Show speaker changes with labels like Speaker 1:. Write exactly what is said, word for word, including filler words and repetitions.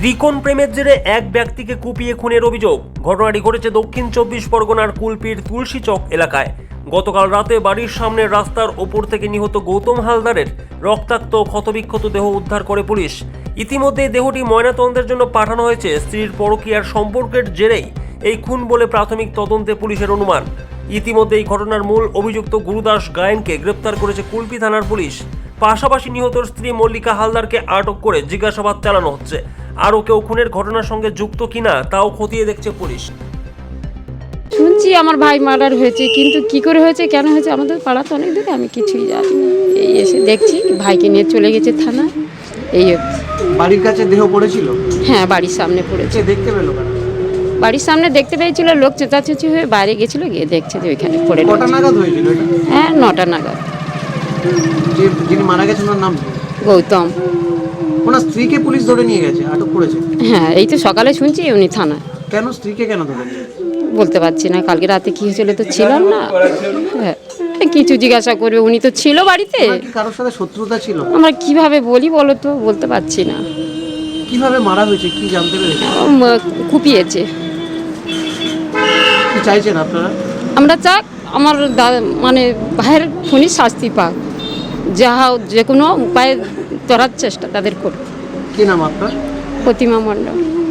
Speaker 1: ত্রিকোণ প্রেমের জেরে এক ব্যক্তিকে কুপিয়ে খুনের অভিযোগ। ঘটনাটি ঘটেছে দক্ষিণ চব্বিশ পরগনার কুলপির তুলসীচক এলাকায়। গতকাল রাতে বাড়ির সামনের রাস্তার ওপর থেকে নিহত গৌতম হালদারের রক্তাক্ত ক্ষতবিক্ষত দেহ উদ্ধার করে পুলিশ। ইতিমধ্যে দেহটি ময়নাতদন্তের জন্য পাঠানো হয়েছে। স্ত্রীর পরকীয়ার সম্পর্কের জেরেই এই খুন বলে প্রাথমিক তদন্তে পুলিশের অনুমান। ইতিমধ্যে এই ঘটনার মূল অভিযুক্ত গুরুদাস গায়েনকে গ্রেপ্তার করেছে কুলপি থানার পুলিশ। পাশাপাশি নিহতর স্ত্রী মল্লিকা হালদারকে আটক করে জিজ্ঞাসাবাদ চালানো হচ্ছে। আরও কেউ খুনের ঘটনার সঙ্গে যুক্ত কিনা তাও খতিয়ে দেখছে পুলিশ।
Speaker 2: শুনছি আমার ভাই মার্ডার হয়েছে, কিন্তু কি করে হয়েছে, কেন হয়েছে, আমাদের পাড়া তো অনেক দূরে, আমি কিছুই জানি না। এই এসে দেখছি ভাইকে নিয়ে চলে গেছে থানা। এই
Speaker 3: বাড়ির কাছে দেহ পড়েছিল?
Speaker 2: হ্যাঁ, বাড়ির সামনে পড়েছে।
Speaker 3: দেখতে পেলো কারা?
Speaker 2: বাড়ির সামনে দেখতে পেয়েছিল, লোক চেঁচাচেঁচি হয়ে বাইরে গেছিল, গিয়ে দেখছে যে ওইখানে পড়ে
Speaker 3: কটা
Speaker 2: রয়েছে।
Speaker 3: নাগাদ হয়েছিল এটা?
Speaker 2: হ্যাঁ, নটা নাগাদ।
Speaker 3: যে যিনি মারা গেছেন ওনার নাম কি?
Speaker 2: গৌতম।
Speaker 3: ওনার স্ত্রীকে পুলিশ ধরে নিয়ে গেছে, আটক করেছে?
Speaker 2: হ্যাঁ, এই তো সকালে শুনছি উনি থানায়।
Speaker 3: কেন স্ত্রীকে কেন ধরে নিয়ে গেছে?
Speaker 2: বলতে পারছি না, কালকে রাতে কি হয়েছিল তো ছিলাম না। হ্যাঁ, কিছু জিজ্ঞাসা করবে, উনি তো ছিল বাড়িতে।
Speaker 3: ওনার কি কারোর সাথে শত্রুতা ছিল?
Speaker 2: আমরা কিভাবে বলি বলো তো, বলতে পারছি না।
Speaker 3: কিভাবে মারা হয়েছে কি জানতে পেরেছে?
Speaker 2: উম, কুপিয়েছে।
Speaker 3: কি চাইছেন আপনারা?
Speaker 2: আমরা চাক আমার দা- মানে ভাইয়ের খুনি শাস্তি পাক, যাহা যে কোনো উপায়ে ধরার চেষ্টা তাদের করবে।
Speaker 3: কি নাম আপনার?
Speaker 2: প্রতিমা মণ্ডল।